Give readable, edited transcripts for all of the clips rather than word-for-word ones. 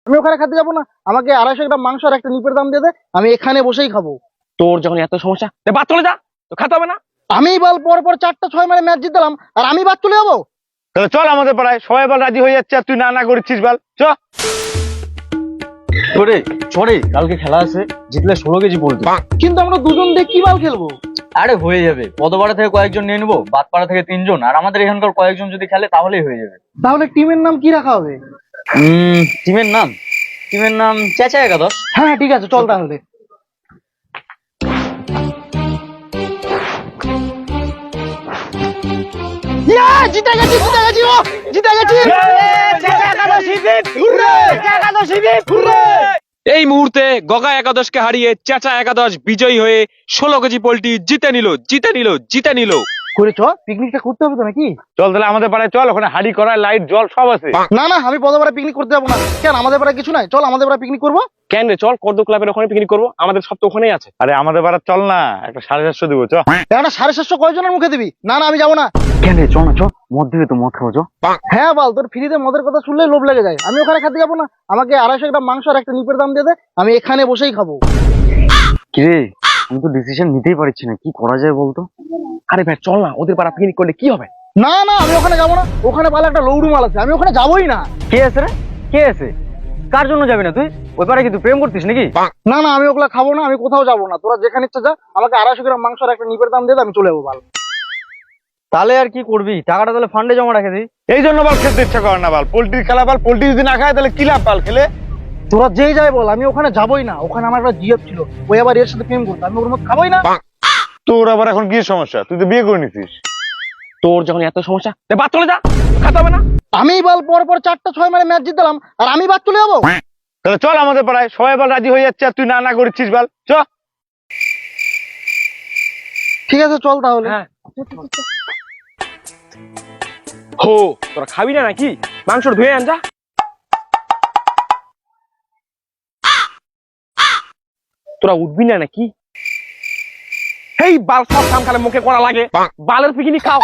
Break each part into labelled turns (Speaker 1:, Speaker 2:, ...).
Speaker 1: আমি ওখানে খেতে যাবো না, আমাকে 250 গ্রাম মাংস আর একটা নিপের দাম দিয়ে দে, আমি এখানে বসেই খাবো।
Speaker 2: তোর যখন এত সমস্যা বাদ চলে যা, তো খেতে হবে না।
Speaker 1: আমি বল পর পর 4টা 6 মারে ম্যাচ জিতলাম আর আমি বাদ চলে যাবো?
Speaker 3: তাহলে চল আমাদের পাড়ায়, সবাই বল রাজি হয়ে যাচ্ছে আর তুই না না করছিস বল চ।
Speaker 4: তোরে চরে কালকে খেলা আছে, জিতলে 16 কেজি পোল্ট্রি।
Speaker 1: কিন্তু আমরা দুজন দিয়ে কি বল খেলবো?
Speaker 4: আরে হয়ে যাবে, পদপাড়া থেকে কয়েকজন নিয়ে নেবো, বাদপাড়া থেকে 3 জন, আর আমাদের এখানকার কয়েকজন যদি খেলে তাহলেই হয়ে যাবে।
Speaker 1: তাহলে টিমের নাম কি রাখা হবে?
Speaker 4: টিমের নাম চেঁচা একাদশ।
Speaker 1: হ্যাঁ ঠিক আছে, চল তাহলে। জিতে গেছি ও জিতে গেছি।
Speaker 2: এই মুহূর্তে গগা একাদশকে হারিয়ে চেঁচা একাদশ বিজয়ী হয়ে 16 কেজি পোল্ট্রি জিতে নিল।
Speaker 1: করে চ, পিকনিকটা করতে হবে তো নাকি?
Speaker 3: চল তাহলে আমাদের পাড়ায় চল, ওখানে হাড়ি করা লাইট জল সব আছে।
Speaker 1: না না, আমি পদপাড়া পিকনিক করতে যাবো না। কেন, আমাদের পাড়ায় কিছু নাই? চল আমাদের পাড়ায় পিকনিক করবো।
Speaker 2: কেন রে, চল কর্দ ক্লাবের ওখানে পিকনিক করবো, আমাদের সব তো ওখানেই আছে।
Speaker 3: আরে আমাদের পাড়া চল না, একটা 750 দিব চ।
Speaker 1: একটা 750 কয়জনের মুখে দিবি? না না, আমি যাবো না।
Speaker 4: কেন চ না, চ মদ দিবে তো, মদ খাবো চ।
Speaker 1: হ্যাঁ বল, তোর ফ্রিতে মদের কথা শুনলেই লোভ লেগে যায়। আমি ওখানে খেতে যাবো না, আমাকে 250 গ্রাম মাংস আর একটা নিপের দাম দিয়ে দে, আমি এখানে বসেই খাবো।
Speaker 4: কিরে, আমি তো ডিসিশন নিতেই পারছি না, কি করা যায় বলতো?
Speaker 2: আরে ভাই চল না, ওদের পাড়া পিকনিক করলে কি হবে?
Speaker 1: না না, আমি ওখানে যাবো না, ওখানে ভালো একটা লৌড়ু মাল আছে, আমি ওখানে যাবোই না।
Speaker 4: কে আছে রে, কে আছে? কার জন্য যাবি না তুই? ওই পাড়ায় কি তুই প্রেম করতিস নাকি?
Speaker 1: না না, আমি ওগুলা খাবো না, আমি কোথাও যাবো না। তোরা যেখানে ইচ্ছা যা, আমাকে 250 গ্রাম মাংস আর একটা নিপের দাম দিয়ে দে, আমি চলে যাবো। ভালো,
Speaker 4: তাহলে আর কি করবি, টাকাটা তাহলে ফান্ডে জমা রাখে দিই।
Speaker 3: এই জন্য বল খেলতে ইচ্ছা করে না বল, পোল্ট্রির খেলা বল, পোল্ট্রি যদি না খায় তাহলে কি লাভ বল খেলে?
Speaker 1: তোরা যেই যাই বল, আমি ওখানে যাবোই না। ওখানে আমার একটা জিএফ ছিল, ওই আবার এর সাথে প্রেম করতো, আমি ওর মধ্যে খাবোই না।
Speaker 3: তোর আবার এখন কি সমস্যা, তুই তো বিয়ে করে নিছিস।
Speaker 2: তোর যখন এত সমস্যা বাদ চলে যা, খেতে হবে না।
Speaker 1: আমি বল পর পর 4টা 6 মারে ম্যাচ জিতলাম আর আমি বাদ চলে যাবো?
Speaker 3: তাহলে চল আমাদের পাড়ায়, সবাই বল রাজি হয়ে যাচ্ছে আর তুই না না করছিস বল চ।
Speaker 1: ঠিক আছে চল তাহলে।
Speaker 2: হ্যাঁ হো, তোরা খাবি না নাকি? মাংস ধুয়ে আন যা। তোরা উঠবি না নাকি? এই বাল সব কাম খালে মুখে করা লাগে, বালের পিকনিক খাও।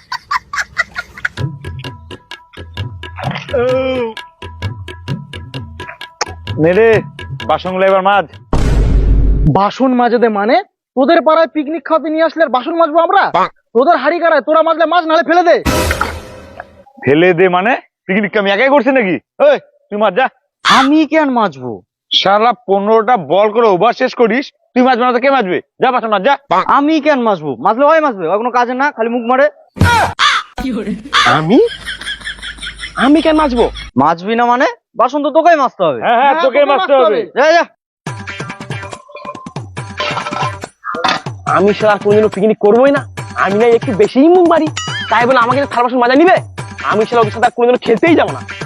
Speaker 3: নেড়ে বাসনগুলো এবার মাঝ।
Speaker 1: বাসন মাজে দে মানে? তোদের পাড়ায় পিকনিক খাওয়াতে নিয়ে আসলে আর বাসন মাজবো আমরা? তোদের হাড়ি কারায়, তোরা মাজলে মাছ, নালে ফেলে দে।
Speaker 3: ফেলে দে মানে? পিকনিক আমি একাই করছি নাকি? ওই তুই মাঝ যা।
Speaker 4: আমি কেন মাজবো?
Speaker 3: সারা 15টা বল করে ওভার শেষ করিস, তুই মাঝবে না তো কে মাজবে? যা বাসন মাঝ যা।
Speaker 4: আমি কেন মাজবো? মাজলে ওই মাজবে, ওই কোনো কাজে না, খালি মুখ মারে।
Speaker 2: আমি কেন মাজবো?
Speaker 4: মাজবি না মানে? বাসন তো তোকেই মাজতে হবে।
Speaker 3: হ্যাঁ হ্যাঁ, তোকে মাজতে হবে।
Speaker 4: যা যা।
Speaker 2: আমি সারা কোনদিনও পিকনিক করবোই না। আমি না একটু বেশিই মুখ মারি, তাই বলে আমাকে থালা বাসন মাজা নিবে? আমি সারা ওদের সাথে কোনদিনও খেলতেই যাবো না।